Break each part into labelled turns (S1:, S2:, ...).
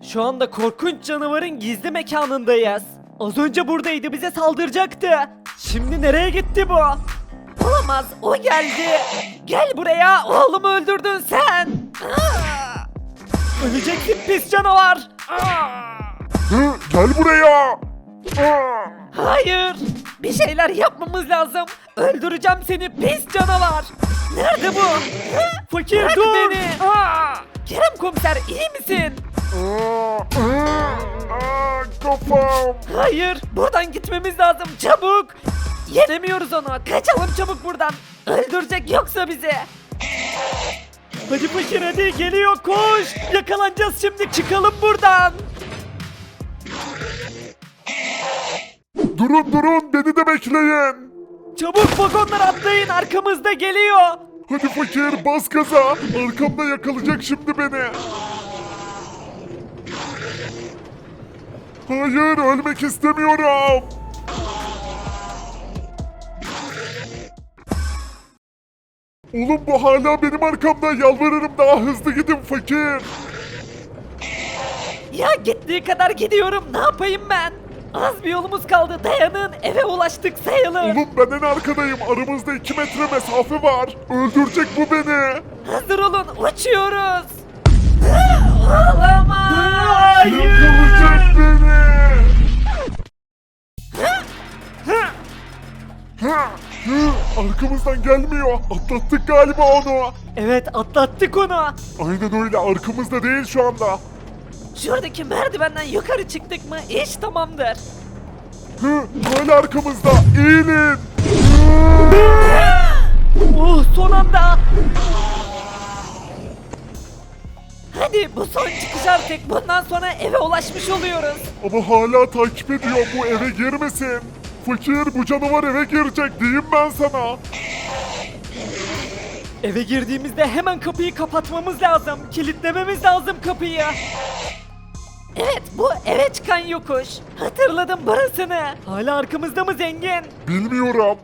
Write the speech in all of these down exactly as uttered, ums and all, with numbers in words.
S1: Şu anda korkunç canavarın gizli mekanındayız. Az önce buradaydı, bize saldıracaktı. Şimdi nereye gitti bu? Olamaz, o geldi. Gel buraya, oğlumu öldürdün sen. Aa! Öleceksin pis canavar. Aa!
S2: Hı, gel buraya. Aa!
S1: Hayır, bir şeyler yapmamız lazım. Öldüreceğim seni pis canavar. Nerede bu? Hı? Fakir
S3: Bırak
S1: dur.
S3: beni.
S1: Aa! Kerem komiser iyi misin?
S2: Aa, aa, aa, kafam.
S1: Hayır, buradan gitmemiz lazım çabuk. Yenemiyoruz onu. Kaçalım çabuk buradan. Öldürecek yoksa bizi. Hadi fakir hadi, geliyor koş. Yakalanacağız şimdi, çıkalım buradan.
S2: Durun durun, beni de bekleyin.
S1: Çabuk vagonlara atlayın, arkamızda geliyor.
S2: Hadi fakir, bas gaza. Arkamda yakalayacak şimdi beni. Hayır, ölmek istemiyorum. Oğlum bu hala benim arkamda. Yalvarırım daha hızlı gidin fakir.
S1: Ya gittiği kadar gidiyorum, ne yapayım ben? Az bir yolumuz kaldı, dayanın, eve ulaştık sayılır.
S2: Oğlum ben en arkadayım. Aramızda iki metre mesafe var. Öldürecek bu beni.
S1: Hazır olun, uçuyoruz. Olamaz.
S2: Yakalayacak beni. Ha, hı, arkamızdan gelmiyor. Atlattık galiba onu.
S1: Evet, atlattık onu.
S2: Aynen öyle, arkamızda değil şu anda.
S1: Şuradaki merdivenden yukarı çıktık mı iş tamamdır.
S2: Hı, hala arkamızda. Eğilin.
S1: Oh, son anda. Hadi bu son çıkış artık. Bundan sonra eve ulaşmış oluyoruz.
S2: Ama hala takip ediyor, bu eve girmesin. Fakir, bu canavar eve girecek diyeyim ben sana.
S1: Eve girdiğimizde hemen kapıyı kapatmamız lazım. Kilitlememiz lazım kapıyı. Evet, bu eve çıkan yokuş. Hatırladım burasını. Hala arkamızda mı zengin?
S2: Bilmiyorum.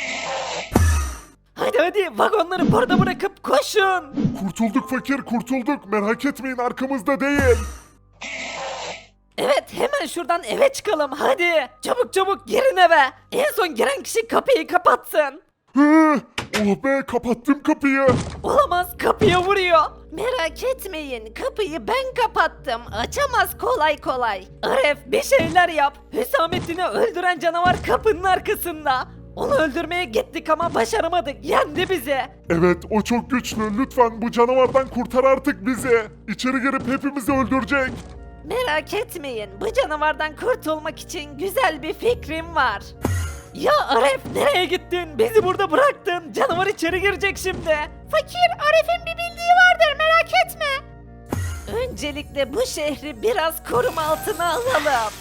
S1: Hadi hadi, vagonları burada bırakıp koşun.
S2: Kurtulduk fakir, kurtulduk. Merak etmeyin, arkamızda değil.
S1: Evet, hemen şuradan eve çıkalım hadi. Çabuk çabuk girin eve. En son giren kişi kapıyı kapatsın.
S2: Hı, oh be, kapattım kapıyı.
S1: Olamaz, kapıya vuruyor. Merak etmeyin, kapıyı ben kapattım. Açamaz kolay kolay. Aref, bir şeyler yap. Hüsamettin'i öldüren canavar kapının arkasında. Onu öldürmeye gittik ama başaramadık. Yendi bizi.
S2: Evet, o çok güçlü. Lütfen bu canavardan kurtar artık bizi. İçeri girip hepimizi öldürecek.
S1: Merak etmeyin, bu canavardan kurtulmak için güzel bir fikrim var. Ya Aref, nereye gittin? Bizi burada bıraktın. Canavar içeri girecek şimdi. Fakir, Aref'in bir bildiği vardır, merak etme. Öncelikle bu şehri biraz koruma altına alalım.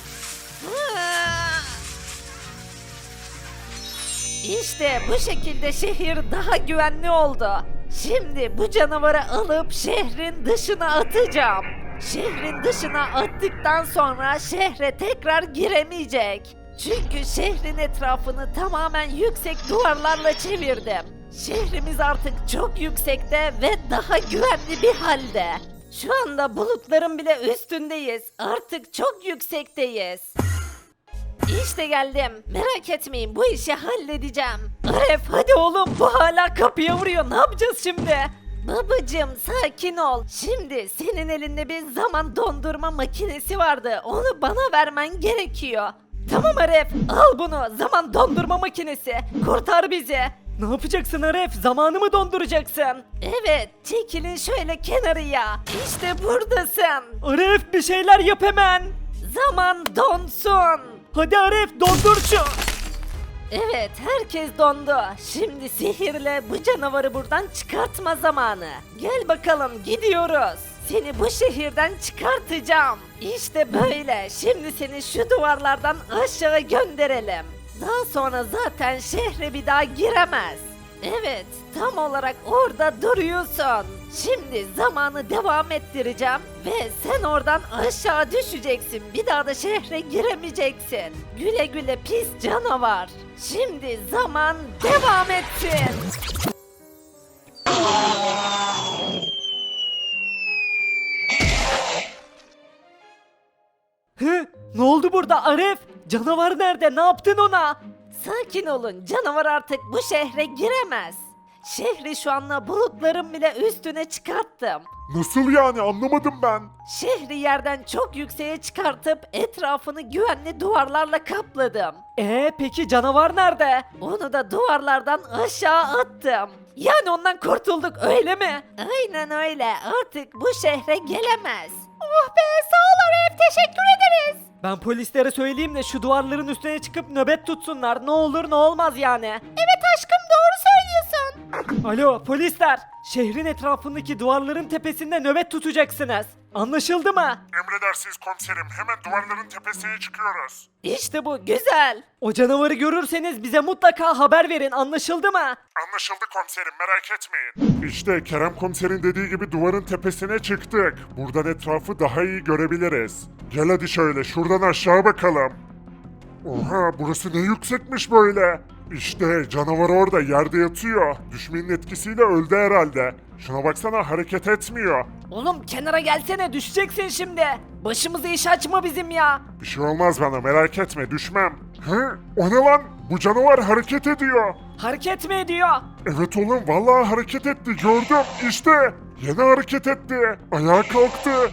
S1: İşte bu şekilde şehir daha güvenli oldu. Şimdi bu canavarı alıp şehrin dışına atacağım. Şehrin dışına attıktan sonra şehre tekrar giremeyecek. Çünkü şehrin etrafını tamamen yüksek duvarlarla çevirdim. Şehrimiz artık çok yüksekte ve daha güvenli bir halde. Şu anda bulutların bile üstündeyiz. Artık çok yüksekteyiz. İşte geldim. Merak etmeyin, bu işi halledeceğim. Aref, hadi oğlum, bu hala kapıya vuruyor. Ne yapacağız şimdi? Babacım, sakin ol. Şimdi senin elinde bir zaman dondurma makinesi vardı. Onu bana vermen gerekiyor. Tamam Aref, al bunu. Zaman dondurma makinesi. Kurtar bizi. Ne yapacaksın Aref? Zamanı mı donduracaksın? Evet, çekilin şöyle kenarıya. İşte buradasın. Aref, bir şeyler yap hemen. Zaman donsun. Hadi Aref, dondur şu. Evet, herkes dondu. Şimdi sihirle bu canavarı buradan çıkartma zamanı. Gel bakalım, gidiyoruz. Seni bu şehirden çıkartacağım. İşte böyle. Şimdi seni şu duvarlardan aşağı gönderelim. Daha sonra zaten şehre bir daha giremez. Evet, tam olarak orada duruyorsun. Şimdi zamanı devam ettireceğim ve sen oradan aşağı düşeceksin. Bir daha da şehre giremeyeceksin. Güle güle pis canavar. Şimdi zaman devam etsin.
S3: Hı? Ne oldu burada Arif? Canavar nerede? Ne yaptın ona?
S1: Sakin olun, canavar artık bu şehre giremez. Şehri şu anda bulutların bile üstüne çıkarttım.
S2: Nasıl yani anlamadım ben.
S1: Şehri yerden çok yükseğe çıkartıp etrafını güvenli duvarlarla kapladım.
S3: Ee peki canavar nerede?
S1: Onu da duvarlardan aşağı attım. Yani ondan kurtulduk öyle mi? Aynen öyle. Artık bu şehre gelemez. Oh be, sağ ol Arif, teşekkür ederiz.
S3: Ben polislere söyleyeyim de şu duvarların üstüne çıkıp nöbet tutsunlar. Ne olur ne olmaz yani.
S1: Evet aşkım, doğru söylüyorsun.
S3: Alo polisler. Şehrin etrafındaki duvarların tepesinde nöbet tutacaksınız. Anlaşıldı mı?
S2: Emredersiniz komiserim. Hemen duvarların tepesine çıkıyoruz.
S1: İşte bu güzel.
S3: O canavarı görürseniz bize mutlaka haber verin. Anlaşıldı mı?
S2: Anlaşıldı komiserim, merak etmeyin. İşte Kerem komiserin dediği gibi duvarın tepesine çıktık. Buradan etrafı daha iyi görebiliriz. Gel hadi şöyle şuradan aşağı bakalım. Oha, burası ne yüksekmiş böyle. İşte canavar orada yerde yatıyor. Düşmenin etkisiyle öldü herhalde. Şuna baksana, hareket etmiyor.
S3: Oğlum kenara gelsene, düşeceksin şimdi. Başımıza iş açma bizim ya.
S2: Bir şey olmaz bana, merak etme, düşmem. Hı? O ne lan? Bu canavar hareket ediyor.
S3: Hareket mi ediyor?
S2: Evet oğlum, vallahi hareket etti, gördüm. İşte yine hareket etti. Ayağa kalktı.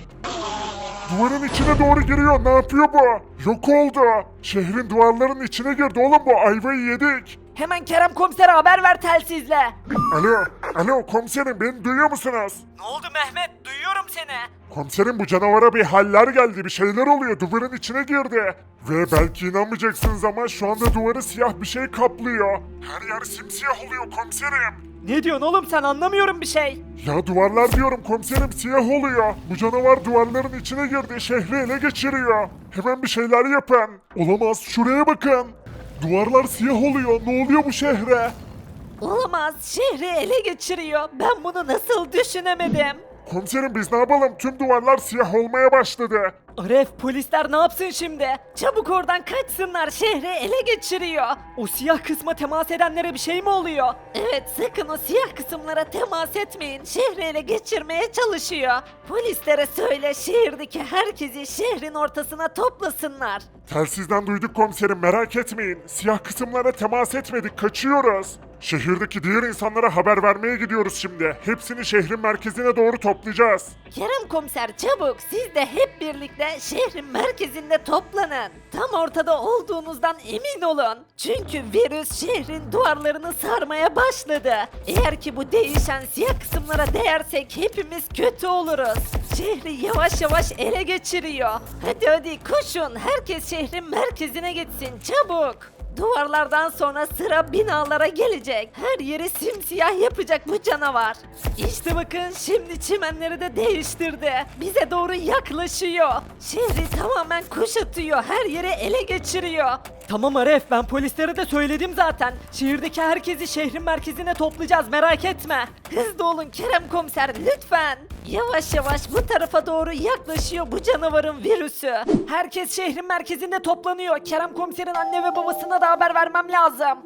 S2: Duvarın içine doğru giriyor. Ne yapıyor bu? Yok oldu. Şehrin duvarlarının içine girdi oğlum bu. Ayvayı yedik.
S3: Hemen Kerem komisere haber ver telsizle.
S2: Alo, alo komiserim, beni duyuyor musunuz?
S3: Ne oldu Mehmet? Duyuyorum seni.
S2: Komiserim, bu canavara bir haller geldi. Bir şeyler oluyor. Duvarın içine girdi. Ve belki inanmayacaksınız ama şu anda duvarı siyah bir şey kaplıyor. Her yer simsiyah oluyor komiserim.
S3: Ne diyorsun oğlum sen, anlamıyorum bir şey.
S2: Ya duvarlar diyorum komiserim, siyah oluyor. Bu canavar duvarların içine girdi, şehri ele geçiriyor. Hemen bir şeyler yapın. Olamaz, şuraya bakın. Duvarlar siyah oluyor. Ne oluyor bu şehre?
S1: Olamaz, şehri ele geçiriyor. Ben bunu nasıl düşünemedim?
S2: Komiserim, biz ne yapalım? Tüm duvarlar siyah olmaya başladı.
S3: Aref, polisler ne yapsın şimdi?
S1: Çabuk oradan kaçsınlar, şehri ele geçiriyor.
S3: O siyah kısma temas edenlere bir şey mi oluyor?
S1: Evet, sakın o siyah kısımlara temas etmeyin. Şehri ele geçirmeye çalışıyor. Polislere söyle, şehirdeki herkesi şehrin ortasına toplasınlar.
S2: Telsizden duyduk komiserim, merak etmeyin. Siyah kısımlara temas etmedik, kaçıyoruz. Şehirdeki diğer insanlara haber vermeye gidiyoruz şimdi. Hepsini şehrin merkezine doğru toplayacağız.
S1: Kerem komiser, çabuk, siz de hep birlikte şehrin merkezinde toplanın. Tam ortada olduğunuzdan emin olun. Çünkü virüs şehrin duvarlarını sarmaya başladı. Eğer ki bu değişen siyah kısımlara değersek hepimiz kötü oluruz. Şehri yavaş yavaş ele geçiriyor. Hadi hadi koşun, herkes şehrin merkezine gitsin, çabuk. Duvarlardan sonra sıra binalara gelecek. Her yeri simsiyah yapacak bu canavar. İşte bakın, şimdi çimenleri de değiştirdi. Bize doğru yaklaşıyor. Şehri tamamen kuşatıyor. Her yeri ele geçiriyor.
S3: Tamam Aref, ben polislere de söyledim zaten. Şehirdeki herkesi şehrin merkezine toplayacağız, merak etme.
S1: Hızlı olun Kerem komiser, lütfen. Yavaş yavaş bu tarafa doğru yaklaşıyor bu canavarın virüsü.
S3: Herkes şehrin merkezinde toplanıyor. Kerem komiserin anne ve babasına da haber vermem lazım.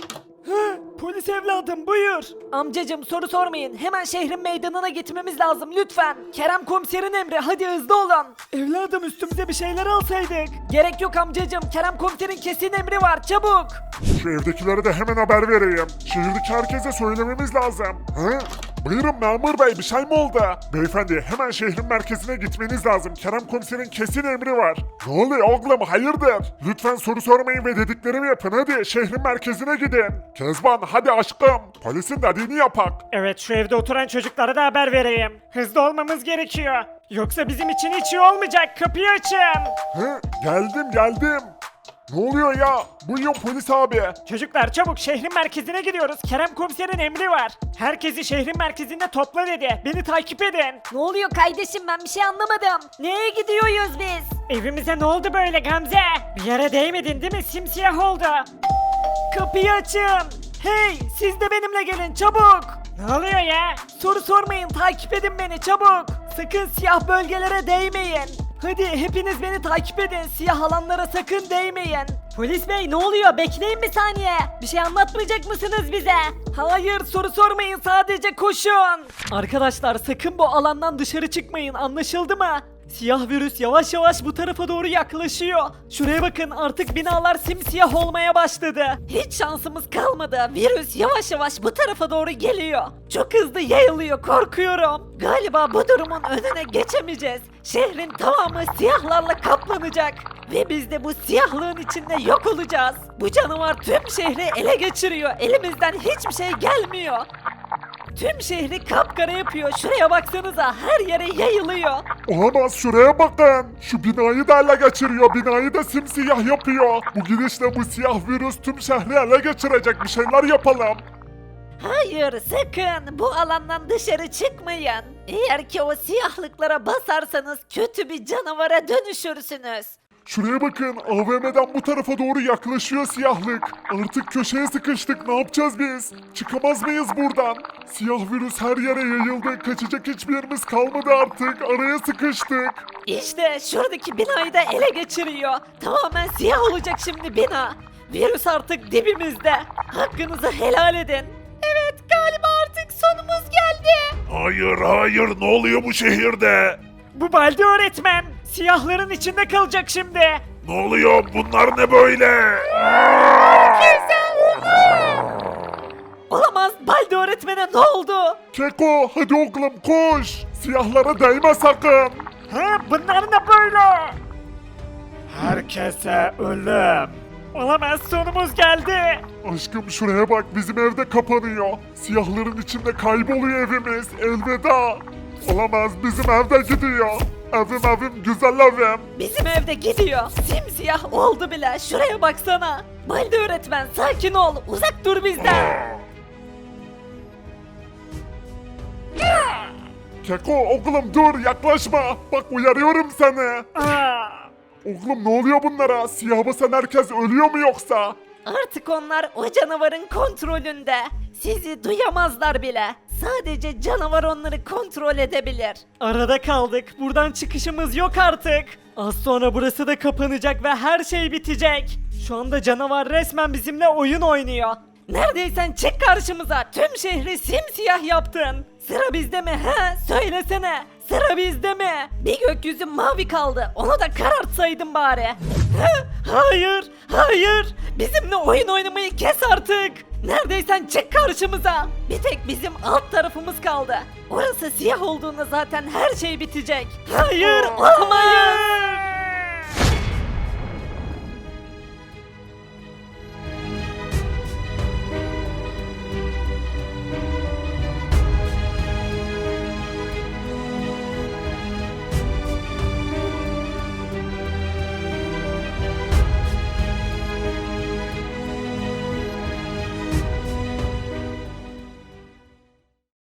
S3: Hı, polis evladım buyur. Amcacım soru sormayın. Hemen şehrin meydanına gitmemiz lazım lütfen. Kerem komiserin emri, hadi hızlı olun. Evladım üstümüze bir şeyler alsaydık. Gerek yok amcacım. Kerem komiserin kesin emri var, çabuk.
S2: Şu evdekilere de hemen haber vereyim. Şehirdeki herkese söylememiz lazım. Hı? Buyurun memur bey, bir şey mi oldu? Beyefendi, hemen şehrin merkezine gitmeniz lazım. Kerem komiserin kesin emri var. Ne oluyor oğlum, hayırdır? Lütfen soru sormayın ve dediklerimi yapın, hadi şehrin merkezine gidin. Kezban, hadi aşkım. Polisin dediğini yapak.
S3: Evet, şu evde oturan çocuklara da haber vereyim. Hızlı olmamız gerekiyor. Yoksa bizim için hiç iyi olmayacak. Kapıyı açın.
S2: Hı? Geldim geldim. Ne oluyor ya? Buyurun polis abi.
S3: Çocuklar çabuk şehrin merkezine gidiyoruz. Kerem komiserin emri var. Herkesi şehrin merkezinde topla dedi. Beni takip edin.
S1: Ne oluyor kardeşim, ben bir şey anlamadım. Neye gidiyoruz biz?
S3: Evimize ne oldu böyle Gamze? Bir yere değmedin değil mi? Simsiyah oldu. Kapıyı açın. Hey, siz de benimle gelin çabuk. Ne oluyor ya? Soru sormayın, takip edin beni çabuk. Sakın siyah bölgelere değmeyin. Hadi hepiniz beni takip edin. Siyah alanlara sakın değmeyin. Polis bey ne oluyor? Bekleyin bir saniye. Bir şey anlatmayacak mısınız bize? Hayır, soru sormayın, sadece koşun. Arkadaşlar sakın bu alandan dışarı çıkmayın, anlaşıldı mı? Siyah virüs yavaş yavaş bu tarafa doğru yaklaşıyor. Şuraya bakın artık binalar simsiyah olmaya başladı.
S1: Hiç şansımız kalmadı. Virüs yavaş yavaş bu tarafa doğru geliyor. Çok hızlı yayılıyor, korkuyorum. Galiba bu durumun önüne geçemeyeceğiz. Şehrin tamamı siyahlarla kaplanacak. Ve biz de bu siyahlığın içinde yok olacağız. Bu canavar tüm şehri ele geçiriyor. Elimizden hiçbir şey gelmiyor. Tüm şehri kapkara yapıyor. Şuraya baksanıza, her yere yayılıyor.
S2: Olamaz, şuraya bakın. Şu binayı da ele geçiriyor. Binayı da simsiyah yapıyor. Bu gidişle bu siyah virüs tüm şehri ele geçirecek. Bir şeyler yapalım.
S1: Hayır, sakın bu alandan dışarı çıkmayın. Eğer ki o siyahlıklara basarsanız kötü bir canavara dönüşürsünüz.
S2: Şuraya bakın, A V M'den bu tarafa doğru yaklaşıyor siyahlık. Artık köşeye sıkıştık, ne yapacağız biz? Çıkamaz mıyız buradan? Siyah virüs her yere yayıldı, kaçacak hiçbir yerimiz kalmadı artık, araya sıkıştık.
S1: İşte şuradaki binayı da ele geçiriyor. Tamamen siyah olacak şimdi bina. Virüs artık dibimizde. Hakkınızı helal edin. Evet, galiba artık sonumuz geldi.
S2: Hayır hayır, ne oluyor bu şehirde?
S3: Bu Baldi öğretmen siyahların içinde kalacak şimdi.
S2: Ne oluyor, bunlar ne böyle?
S1: Olamaz, Baldi öğretmene ne oldu?
S2: Keko, hadi oğlum koş. Siyahlara değme sakın.
S3: Ha, bunlar ne böyle? Herkese ölüm. Olamaz sonumuz geldi.
S2: Aşkım şuraya bak, bizim evde kapanıyor. Siyahların içinde kayboluyor evimiz. Elveda. Olamaz, bizim evde gidiyor. Evim evim, güzel evim.
S1: Bizim evde gidiyor. Simsiyah oldu bile. Şuraya baksana. Baldi öğretmen sakin ol. Uzak dur bizden.
S2: Keko oğlum dur, yaklaşma. Bak uyarıyorum seni.
S3: Aa,
S2: Oğlum ne oluyor bunlara? Siyah basan herkes ölüyor mu yoksa?
S1: Artık onlar o canavarın kontrolünde. Sizi duyamazlar bile. Sadece canavar onları kontrol edebilir.
S3: arada kaldık. Buradan çıkışımız yok artık. Az sonra burası da kapanacak ve her şey bitecek. Şu anda canavar resmen bizimle oyun oynuyor.
S1: Neredeysen çık karşımıza. Tüm şehri simsiyah yaptın. Sıra bizde mi he? Söylesene. Sıra bizde mi? Bir gökyüzü mavi kaldı. Onu da karartsaydın bari. He? Hayır, hayır. Bizimle oyun oynamayı kes artık. Neredeysen çık karşımıza. Bir tek bizim alt tarafımız kaldı. Orası siyah olduğunda zaten her şey bitecek. Hayır, olamayız.